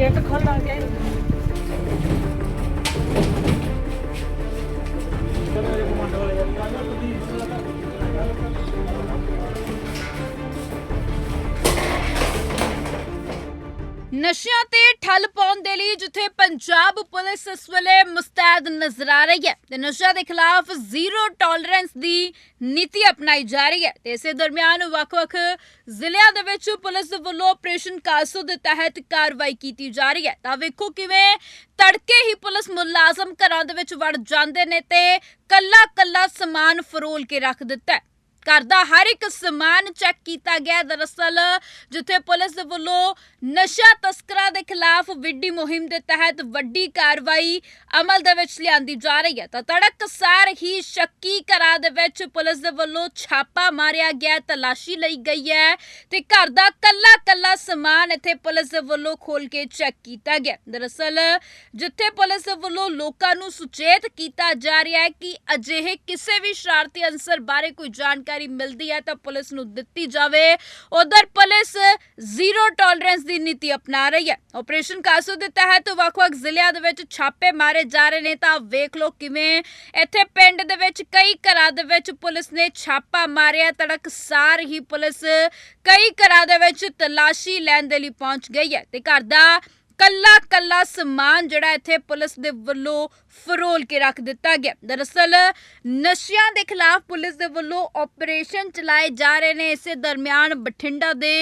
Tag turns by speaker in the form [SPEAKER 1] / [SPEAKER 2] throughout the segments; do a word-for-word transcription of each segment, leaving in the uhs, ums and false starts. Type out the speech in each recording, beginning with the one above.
[SPEAKER 1] Gate खोल के
[SPEAKER 2] ਨਸ਼ਿਆਂ ਤੇ ਠੱਲ ਪਾਉਣ ਦੇ ਲਈ ਜਿੱਥੇ ਪੰਜਾਬ ਪੁਲਿਸ ਇਸ ਵੇਲੇ ਮੁਸਤੈਦ ਨਜ਼ਰ ਆ ਰਹੀ ਹੈ ਤੇ ਨਸ਼ਿਆਂ ਦੇ ਖਿਲਾਫ ਜ਼ੀਰੋ ਟੋਲਰੈਂਸ ਦੀ ਨੀਤੀ ਅਪਣਾਈ ਜਾ ਰਹੀ ਹੈ ਤੇ ਇਸੇ ਦਰਮਿਆਨ ਵੱਖ-ਵੱਖ ਜ਼ਿਲ੍ਹਿਆਂ ਦੇ ਵਿੱਚ ਪੁਲਿਸ ਦੇ ਵੱਲੋਂ ਆਪਰੇਸ਼ਨ ਕਾਸੋ ਦੇ ਤਹਿਤ ਕਾਰਵਾਈ ਕੀਤੀ ਜਾ ਰਹੀ ਹੈ। ਤਾਂ ਵੇਖੋ ਕਿਵੇਂ ਤੜਕੇ ਹੀ ਪੁਲਿਸ ਮੁਲਾਜ਼ਮ ਘਰਾਂ ਦੇ ਵਿੱਚ ਵੜ ਜਾਂਦੇ ਨੇ ਤੇ ਕੱਲਾ-ਕੱਲਾ ਸਮਾਨ ਫਰੋਲ ਕੇ ਰੱਖ ਦਿੱਤਾ ਹੈ। घर का हर एक समान चैक किया गया। दरअसल जिथे पुलिस दे वल्लों नशा तस्करां दे खिलाफ विड्डी मुहिम के तहत वड्डी कार्रवाई अमल दे विच लिआंदी जा रही है तो तड़कसार ही शक्की घरां दे विच पुलिस दे वल्लों छापा मारिया गया, तलाशी लई गई है ते घर दा कल्ला कल्ला समान इत्थे पुलिस दे वल्लों खोल के चैक किया गया। दरअसल जिथे पुलिस दे वल्लों लोकां नूं सुचेत किया जा रहा है कि अजिहे किसी भी शरारती अंसर बारे कोई जानकारी मिलती है तो पुलिस नूं दित्ती जावे। उधर पुलिस जीरो टॉलरेंस की नीति अपना रही है। ऑपरेशन कासो के तहत ਵੱਖ-ਵੱਖ ਜ਼ਿਲ੍ਹਿਆਂ ਦੇ ਵਿੱਚ ਛਾਪੇ ਮਾਰੇ ਜਾ ਰਹੇ ਨੇ ਤਾਂ ਵੇਖ ਲਓ ਕਿਵੇਂ ਇੱਥੇ ਪਿੰਡ ਦੇ ਵਿੱਚ ਕਈ ਘਰਾਂ ਦੇ ਵਿੱਚ ਪੁਲਿਸ ਨੇ ਛਾਪਾ ਮਾਰਿਆ। ਤੜਕਸਾਰ ਹੀ ਪੁਲਿਸ ਕਈ ਘਰਾਂ ਦੇ ਵਿੱਚ ਤਲਾਸ਼ੀ ਲੈਣ ਦੇ ਲਈ ਪਹੁੰਚ ਗਈ ਹੈ ਤੇ ਘਰ ਦਾ ਕੱਲਾ ਕੱਲਾ ਸਮਾਨ ਜਿਹੜਾ ਇੱਥੇ ਪੁਲਿਸ ਦੇ ਵੱਲੋਂ ਫਰੋਲ ਕੇ ਰੱਖ ਦਿੱਤਾ ਗਿਆ। ਦਰਅਸਲ ਨਸ਼ਿਆਂ ਦੇ ਖਿਲਾਫ ਪੁਲਿਸ ਦੇ ਵੱਲੋਂ ਆਪਰੇਸ਼ਨ ਚਲਾਏ ਜਾ ਰਹੇ ਨੇ। ਇਸੇ ਦਰਮਿਆਨ ਬਠਿੰਡਾ ਦੇ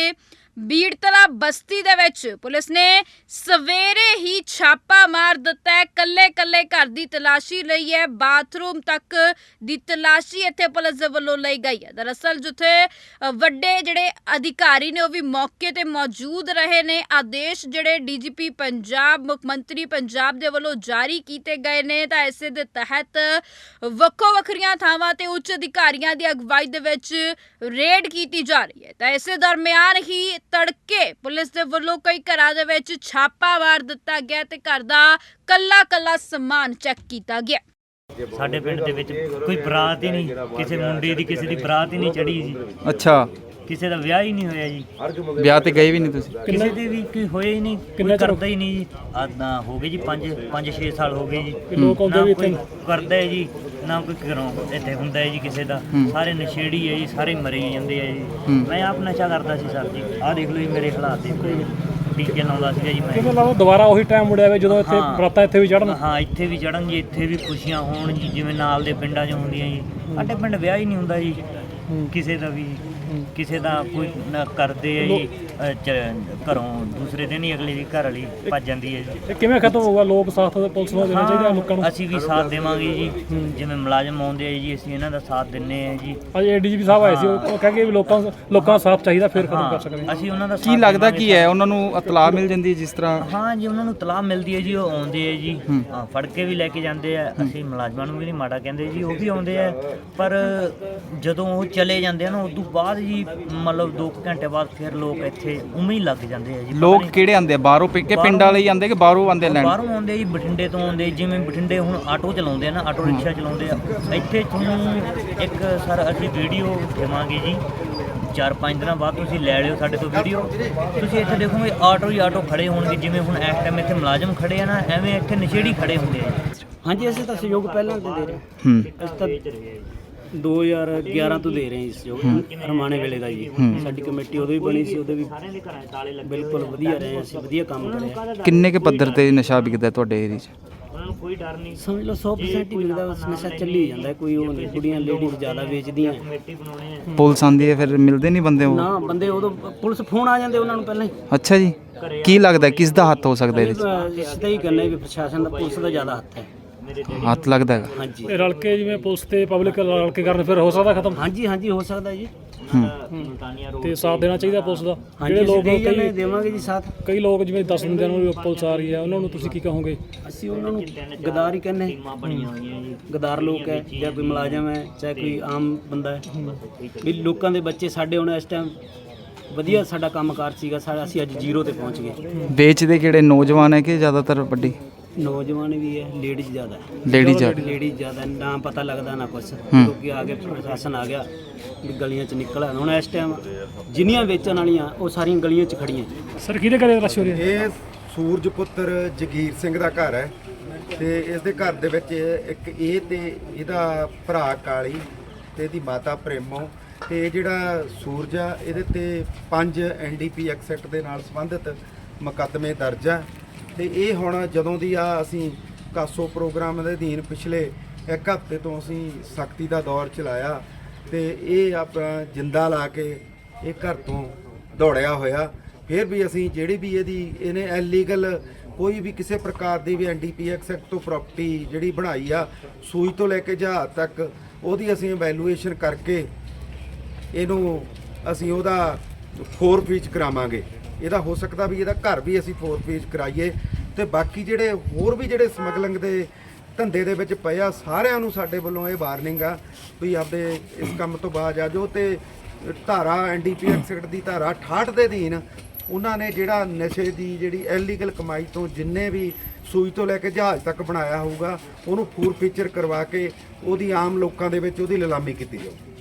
[SPEAKER 2] ਬੀੜਤਲਾ ਬਸਤੀ ਦੇ ਵਿੱਚ ਪੁਲਿਸ ਨੇ ਸਵੇਰੇ ਹੀ ਛਾਪਾ ਮਾਰ ਦਿੱਤਾ ਹੈ। ਕੱਲੇ ਕੱਲੇ ਘਰ ਦੀ ਤਲਾਸ਼ੀ ਲਈ ਹੈ, ਬਾਥਰੂਮ ਤੱਕ ਦੀ ਤਲਾਸ਼ੀ ਇੱਥੇ ਪੁਲਿਸ ਦੇ ਵੱਲੋਂ ਲਈ ਗਈ ਹੈ। ਦਰਅਸਲ ਜਿੱਥੇ ਵੱਡੇ ਜਿਹੜੇ ਅਧਿਕਾਰੀ ਨੇ ਉਹ ਵੀ ਮੌਕੇ ਤੇ ਮੌਜੂਦ ਰਹੇ ਨੇ। ਆਦੇਸ਼ ਜਿਹੜੇ ਡੀਜੀਪੀ ਪੰਜਾਬ, ਮੁੱਖ ਮੰਤਰੀ ਪੰਜਾਬ ਦੇ ਵੱਲੋਂ ਜਾਰੀ ਕੀਤੇ ਗਏ ਨੇ ਤਾਂ ਇਸੇ ਦੇ ਤਹਿਤ ਵੱਖੋ ਵੱਖਰੀਆਂ ਥਾਵਾਂ ਤੇ ਉੱਚ ਅਧਿਕਾਰੀਆਂ ਦੀ ਅਗਵਾਈ ਦੇ ਵਿੱਚ ਰੇਡ ਕੀਤੀ ਜਾ ਰਹੀ ਹੈ। ਤਾਂ ਇਸੇ ਦਰਮਿਆਨ ਹੀ ਤੜਕੇ ਪੁਲਿਸ ਦੇ ਵੱਲੋਂ ਕਈ ਘਰਾਂ ਦੇ ਵਿੱਚ ਛਾਪਾ ਮਾਰ ਦਿੱਤਾ ਗਿਆ ਤੇ ਘਰ ਦਾ ਕੱਲਾ ਕੱਲਾ ਸਮਾਨ ਚੈੱਕ ਕੀਤਾ ਗਿਆ।
[SPEAKER 3] ਸਾਡੇ ਪਿੰਡ ਦੇ ਵਿੱਚ ਕੋਈ ਬਰਾਤ ਹੀ ਨਹੀਂ, ਕਿਸੇ ਮੁੰਡੇ ਦੀ ਕਿਸੇ ਦੀ ਬਰਾਤ ਹੀ ਨਹੀਂ ਚੜੀ ਜੀ।
[SPEAKER 4] ਅੱਛਾ,
[SPEAKER 3] ਕਿਸੇ ਦਾ ਵਿਆਹ ਹੀ ਨਹੀਂ ਹੋਇਆ ਜੀ।
[SPEAKER 4] ਵਿਆਹ ਤੇ ਗਏ ਵੀ ਨਹੀਂ ਤੁਸੀਂ?
[SPEAKER 3] ਕਿਸੇ ਦੇ ਵੀ ਕੋਈ ਹੋਇਆ ਹੀ ਨਹੀਂ, ਕੋਈ ਕਰਦਾ ਹੀ ਨਹੀਂ ਜੀ। ਆਦਾਂ ਹੋ ਗਏ ਜੀ ਪੰਜ ਪੰਜ ਛੇ ਸਾਲ ਹੋ ਗਏ ਜੀ। ਲੋਕ ਆਉਂਦੇ ਵੀ ਇੱਥੇ ਕਰਦਾ ਹੈ ਜੀ, ਨਾ ਕੋਈ ਘਰੋਂ ਇੱਥੇ ਹੁੰਦਾ ਹੈ ਜੀ ਕਿਸੇ ਦਾ। ਸਾਰੇ ਨਸ਼ੇੜੀ ਹੈ ਜੀ, ਸਾਰੇ ਮਰੇ ਜਾਂਦੇ ਆ ਜੀ। ਮੈਂ ਆਪ ਨਸ਼ਾ ਕਰਦਾ ਸੀ ਸਰ ਜੀ। ਆਹ ਦੇਖ ਲਓ ਜੀ ਮੇਰੇ ਹਾਲਾਤ ਦੇਖੋ ਜੀ, ਟੀਕੇ ਲਾਉਂਦਾ ਸੀਗਾ ਜੀ ਮੈਂ। ਕਿਵੇਂ ਲੱਗਦਾ ਦੁਬਾਰਾ ਉਹੀ ਟਾਈਮ ਮੁੜਿਆ ਵੇ ਜਦੋਂ ਇੱਥੇ ਬਰਾਤਾਂ ਇੱਥੇ ਵੀ ਚੜਨ? ਹਾਂ, ਇੱਥੇ ਵੀ ਚੜਨ ਜੀ, ਇੱਥੇ ਵੀ ਖੁਸ਼ੀਆਂ ਹੋਣ ਜੀ ਜਿਵੇਂ ਨਾਲ ਦੇ ਪਿੰਡਾਂ 'ਚ ਹੁੰਦੀਆਂ ਜੀ। ਸਾਡੇ ਪਿੰਡ ਵਿਆਹ ਹੀ ਨਹੀਂ ਹੁੰਦਾ ਜੀ ਕਿਸੇ ਦਾ ਵੀ। ਕਿਸੇ ਦਾ ਕੋਈ ਨਾ ਕਰਦੇ ਆ ਜੀ, ਘਰੋਂ ਦੂਸਰੇ ਦਿਨ ਹੀ ਅਗਲੇ ਦੀ ਘਰ ਵਾਲੀ ਭੱਜ ਜਾਂਦੀ ਹੈ ਜੀ। ਕਿਵੇਂ ਖਤਮ ਹੋਊਗਾ? ਲੋਕ ਸਾਥ ਪੁਲਿਸ ਨੂੰ ਦੇਣਾ ਚਾਹੀਦਾ ਲੋਕਾਂ ਨੂੰ। ਅਸੀਂ ਵੀ ਸਾਥ ਦੇਵਾਂਗੇ ਜੀ, ਜਿਵੇਂ ਮੁਲਾਜ਼ਮ ਆਉਂਦੇ ਆ ਜੀ ਅਸੀਂ ਇਹਨਾਂ ਦਾ ਸਾਥ ਦਿੰਨੇ ਆ ਜੀ। ਅੱਜ ਏਡੀਜੀਪੀ ਸਾਹਿਬ ਆਏ ਸੀ, ਉਹ ਕਹਿੰਦੇ ਵੀ ਲੋਕਾਂ ਲੋਕਾਂ ਦਾ ਸਾਥ ਚਾਹੀਦਾ ਫਿਰ ਖਤਮ ਕਰ ਸਕਦੇ ਅਸੀਂ ਉਹਨਾਂ ਦਾ।
[SPEAKER 4] ਕੀ ਲੱਗਦਾ ਕੀ ਹੈ ਉਹਨਾਂ ਨੂੰ ਇਤਲਾਹ ਮਿਲ ਜਾਂਦੀ ਜਿਸ ਤਰ੍ਹਾਂ?
[SPEAKER 3] ਹਾਂ ਜੀ, ਉਹਨਾਂ ਨੂੰ ਇਤਲਾਹ ਮਿਲਦੀ ਹੈ ਜੀ, ਉਹ ਆਉਂਦੇ ਆ ਜੀ, ਹਾਂ ਫੜ ਕੇ ਵੀ ਲੈ ਕੇ ਜਾਂਦੇ ਆ। ਅਸੀਂ ਮੁਲਾਜ਼ਮਾਂ ਨੂੰ ਵੀ ਨਹੀਂ ਮਾੜਾ ਕਹਿੰਦੇ ਜੀ, ਉਹ ਵੀ ਆਉਂਦੇ ਆ। ਪਰ ਜਦੋਂ ਉਹ ਚਲੇ ਜਾਂਦੇ ਆ ਨਾ ਉਸ ਤੋਂ ਬਾਅਦ ਜੀ ਮਤਲਬ ਦੋ ਘੰਟੇ ਬਾਅਦ ਫਿਰ ਲੋਕ ਇੱਥੇ ਉਵੇਂ ਹੀ ਲੱਗ ਜਾਂਦੇ ਆ ਜੀ।
[SPEAKER 4] ਲੋਕ ਕਿਹੜੇ ਆਉਂਦੇ ਆ? ਬਾਹਰੋਂ ਕੇ ਪਿੰਡ ਵਾਲੇ ਹੀ ਆਉਂਦੇ ਕਿ ਬਾਹਰੋਂ ਆਉਂਦੇ ਲੈਣ?
[SPEAKER 3] ਬਾਹਰੋਂ ਆਉਂਦੇ ਜੀ, ਬਠਿੰਡੇ ਤੋਂ ਆਉਂਦੇ। ਜਿਵੇਂ ਬਠਿੰਡੇ ਹੁਣ ਆਟੋ ਚਲਾਉਂਦੇ ਆ ਨਾ, ਆਟੋ ਰਿਕਸ਼ਾ ਚਲਾਉਂਦੇ ਆ। ਇੱਥੇ ਤੁਹਾਨੂੰ ਇੱਕ ਸਰ ਅਸੀਂ ਵੀਡੀਓ ਦੇਵਾਂਗੇ ਜੀ, ਚਾਰ ਪੰਜ ਦਿਨਾਂ ਬਾਅਦ ਤੁਸੀਂ ਲੈ ਲਿਓ ਸਾਡੇ ਤੋਂ ਵੀਡੀਓ। ਤੁਸੀਂ ਇੱਥੇ ਦੇਖੋਗੇ ਆਟੋ ਹੀ ਆਟੋ ਖੜੇ ਹੋਣਗੇ। ਜਿਵੇਂ ਹੁਣ ਇਸ ਟਾਈਮ ਇੱਥੇ ਮੁਲਾਜ਼ਮ ਖੜੇ ਆ ਨਾ, ਐਵੇਂ ਇੱਥੇ ਨਸ਼ੇੜੀ ਖੜੇ ਹੁੰਦੇ ਆ।
[SPEAKER 5] ਹਾਂਜੀ, ਅਸੀਂ ਤਾਂ ਸਹਿਯੋਗ ਪਹਿਲਾਂ ਤੋਂ ਦੇ ਰਹੇ
[SPEAKER 4] ਹੂੰ
[SPEAKER 5] ਅਸੀਂ ਤਾਂ ਦੋ ਹਜ਼ਾਰ ਗਿਆਰਾਂ ਤੋਂ ਦੇ ਰਹੇ ਇਸ ਸਹਿਯੋਗ ਰਮਾਣੇ ਵੇਲੇ ਦਾ ਜੀ। ਸਾਡੀ ਕਮੇਟੀ ਉਦੋਂ ਵੀ ਬਣੀ ਸੀ, ਉਦੋਂ ਵੀ ਬਿਲਕੁਲ ਵਧੀਆ ਰਹੇ ਅਸੀਂ, ਵਧੀਆ ਕੰਮ ਕਰਿਆ।
[SPEAKER 4] ਕਿੰਨੇ ਕੇ ਪੱਧਰ ਤੇ ਨਸ਼ਾ ਵਿਕਦਾ ਤੁਹਾਡੇ ਏਰੀਆ 'ਚ?
[SPEAKER 3] ਕੋਈ ਡਰ ਨਹੀਂ,
[SPEAKER 5] ਸਮਝ ਲਓ ਸੌ ਪਰਸੈਂਟ ਹੀ ਮਿਲਦਾ। ਬਸ ਨਸ਼ਾ ਚੱਲੀ ਜਾਂਦਾ, ਕੋਈ ਉਹ ਨਹੀਂ। ਕੁੜੀਆਂ ਲੇਡੀਜ਼ ਜ਼ਿਆਦਾ ਵੇਚਦੀਆਂ।
[SPEAKER 4] ਪੁਲਿਸ ਆਉਂਦੀ ਹੈ ਫਿਰ ਮਿਲਦੇ ਨਹੀਂ ਬੰਦੇ? ਉਹ
[SPEAKER 5] ਨਾ ਬੰਦੇ ਉਦੋਂ ਪੁਲਿਸ ਫੋਨ ਆ ਜਾਂਦੇ ਉਹਨਾਂ ਨੂੰ ਪਹਿਲਾਂ ਹੀ।
[SPEAKER 4] ਅੱਛਾ ਜੀ, ਕੀ ਲੱਗਦਾ ਕਿਸ ਦਾ ਹੱਥ ਹੋ ਸਕਦਾ ਇਹਦੇ 'ਚ?
[SPEAKER 5] ਇਸ ਦਾ ਹੀ ਕਰਨਾ ਵੀ ਪ੍ਰਸ਼ਾਸਨ ਦਾ, ਪੁਲਿਸ ਦਾ ਜ਼ਿਆਦਾ ਹੱਥ ਹੈ।
[SPEAKER 4] ਹੱਥ ਲੱਗਦਾ ਹੈਗਾ?
[SPEAKER 5] ਹਾਂਜੀ,
[SPEAKER 1] ਰਲ ਕੇ ਜਿਵੇਂ ਪੁਲਿਸ ਤੇ ਪਬਲਿਕ ਰਲ ਕੇ ਕਰਨ ਫਿਰ ਹੋ ਸਕਦਾ ਖਤਮ?
[SPEAKER 5] ਹਾਂਜੀ ਹਾਂਜੀ ਹੋ ਸਕਦਾ ਜੀ।
[SPEAKER 1] ਤੇ ਸਾਥ ਦੇਣਾ ਚਾਹੀਦਾ ਪੁਲਿਸ ਦਾ।
[SPEAKER 5] ਜਿਹੜੇ ਲੋਕ ਕਈ ਦੇਵਾਂਗੇ ਜੀ ਸਾਥ।
[SPEAKER 1] ਕਈ ਲੋਕ ਜਿਵੇਂ ਦਸ ਦਿਨ ਨੂੰ ਪੁਲਿਸ ਆ ਰਹੀ ਹੈ, ਉਹਨਾਂ ਨੂੰ ਤੁਸੀਂ ਕੀ ਕਹੋਗੇ?
[SPEAKER 5] ਅਸੀਂ ਉਹਨਾਂ ਨੂੰ ਗਦਾਰ ਹੀ ਕਹਿੰਦੇ। ਗਦਾਰ ਲੋਕ ਹੈ, ਜਾਂ ਕੋਈ ਮੁਲਾਜ਼ਮ ਹੈ, ਚਾਹੇ ਕੋਈ ਆਮ ਬੰਦਾ ਹੈ, ਵੀ ਲੋਕਾਂ ਦੇ ਬੱਚੇ ਸਾਡੇ ਹੁਣ ਇਸ ਟਾਈਮ ਵਧੀਆ ਸਾਡਾ ਕੰਮਕਾਰ ਸੀਗਾ ਸਾਡਾ, ਅਸੀਂ ਅੱਜ ਜ਼ੀਰੋ ਤੇ ਪਹੁੰਚ ਗਏ।
[SPEAKER 4] ਵੇਚਦੇ ਕਿਹੜੇ ਨੌਜਵਾਨ ਹੈ ਕਿ ਜ਼ਿਆਦਾਤਰ ਵੱਡੀ?
[SPEAKER 5] ਨੌਜਵਾਨ ਵੀ ਹੈ, ਲੇਡੀਜ਼ ਜ਼ਿਆਦਾ ਹੈ।
[SPEAKER 4] ਲੇਡੀਜ਼
[SPEAKER 5] ਲੇਡੀਜ਼ ਜ਼ਿਆਦਾ, ਨਾ ਪਤਾ ਲੱਗਦਾ ਨਾ ਕੁਛ। ਕਿਉਂਕਿ ਆ ਕੇ ਪ੍ਰਸ਼ਾਸਨ ਆ ਗਿਆ ਵੀ ਗਲੀਆਂ 'ਚ ਨਿਕਲ ਆਉਣਾ। ਹੁਣ ਇਸ ਟਾਈਮ ਜਿੰਨੀਆਂ ਵੇਚਣ ਵਾਲੀਆਂ ਉਹ ਸਾਰੀਆਂ ਗਲੀਆਂ 'ਚ ਖੜੀਆਂ।
[SPEAKER 1] ਸਰ ਕਿਹਦੇ ਘਰੇ ਰਸ਼ ਹੋ ਰਹੀ ਹੈ?
[SPEAKER 6] ਇਹ ਸੂਰਜ ਪੁੱਤਰ ਜਗੀਰ ਸਿੰਘ ਦਾ ਘਰ ਹੈ ਤੇ ਇਸ ਦੇ ਘਰ ਦੇ ਵਿੱਚ ਇੱਕ ਇਹ ਤੇ ਇਹਦਾ ਭਰਾ ਕਾਲੀ ਤੇ ਇਹਦੀ ਮਾਤਾ ਪ੍ਰੇਮੋ ਤੇ ਇਹ ਜਿਹੜਾ ਸੂਰਜ ਆ ਇਹਦੇ ਤੇ ਪੰਜ ਐਨ ਡੀ ਪੀ ਐਕਟ ਦੇ ਨਾਲ ਸੰਬੰਧਿਤ ਮੁਕੱਦਮੇ ਦਰਜ ਆ ਤੇ ਇਹ ਹੁਣ ਜਦੋਂ ਦੀ ਆ ਅਸੀਂ ਕਾਸੋ ਪ੍ਰੋਗਰਾਮ ਦੇ ਅਧੀਨ ਪਿਛਲੇ ਇੱਕ ਹਫ਼ਤੇ ਤੋਂ ਅਸੀਂ ਸਖਤੀ ਦਾ ਦੌਰ ਚਲਾਇਆ ਤੇ ਇਹ ਆਪਣਾ ਜਿੰਦਾ ਲਾ ਕੇ ਇਹ ਘਰ ਤੋਂ ਦੌੜਿਆ ਹੋਇਆ। ਫਿਰ ਵੀ ਅਸੀਂ ਜਿਹੜੀ ਵੀ ਇਹਦੀ ਇਹਨੇ ਇਲੀਗਲ ਕੋਈ ਵੀ ਕਿਸੇ ਪ੍ਰਕਾਰ ਦੀ ਵੀ ਐਨ ਡੀ ਪੀ ਐਕਟ ਤੋਂ ਪ੍ਰਾਪਰਟੀ ਜਿਹੜੀ ਬਣਾਈ ਆ ਸੂਈ ਤੋਂ ਲੈ ਕੇ ਜਹਾਜ਼ ਤੱਕ ਉਹਦੀ ਅਸੀਂ ਇਵੈਲੂਏਸ਼ਨ ਕਰਕੇ ਇਹਨੂੰ ਅਸੀਂ ਉਹਦਾ ਫੋਰ ਫੀਚ ਕਰਾਵਾਂਗੇ। ਇਹਦਾ ਹੋ ਸਕਦਾ ਵੀ ਇਹਦਾ ਘਰ ਵੀ ਅਸੀਂ ਫੋਰ ਫੀਚ ਕਰਾਈਏ ਤੇ ਬਾਕੀ ਜਿਹੜੇ ਹੋਰ ਵੀ ਜਿਹੜੇ ਸਮਗਲਿੰਗ ਦੇ ਧੰਦੇ ਦੇ ਵਿੱਚ ਪਏ ਆ ਸਾਰਿਆਂ ਨੂੰ ਸਾਡੇ ਵੱਲੋਂ ਇਹ ਵਾਰਨਿੰਗ ਆ ਵੀ ਆਪਦੇ ਇਸ ਕੰਮ ਤੋਂ ਬਾਅਦ ਆ ਜਾਓ ਤੇ ਧਾਰਾ ਐਨ ਡੀ ਪੀ ਐਕਟ ਦੀ ਧਾਰਾ ਅਠਾਹਠ ਦੇ ਅਧੀਨ ਉਹਨਾਂ ਨੇ ਜਿਹੜਾ ਨਸ਼ੇ ਦੀ ਜਿਹੜੀ ਇਲੀਗਲ ਕਮਾਈ ਤੋਂ ਜਿੰਨੇ ਵੀ ਸੂਈ ਤੋਂ ਲੈ ਕੇ ਜਹਾਜ਼ ਤੱਕ ਬਣਾਇਆ ਹੋਊਗਾ ਉਹਨੂੰ ਫੂਰ ਫੀਚਰ ਕਰਵਾ ਕੇ ਉਹਦੀ ਆਮ ਲੋਕਾਂ ਦੇ ਵਿੱਚ ਉਹਦੀ ਨਿਲਾਮੀ ਕੀਤੀ ਜਾਊ।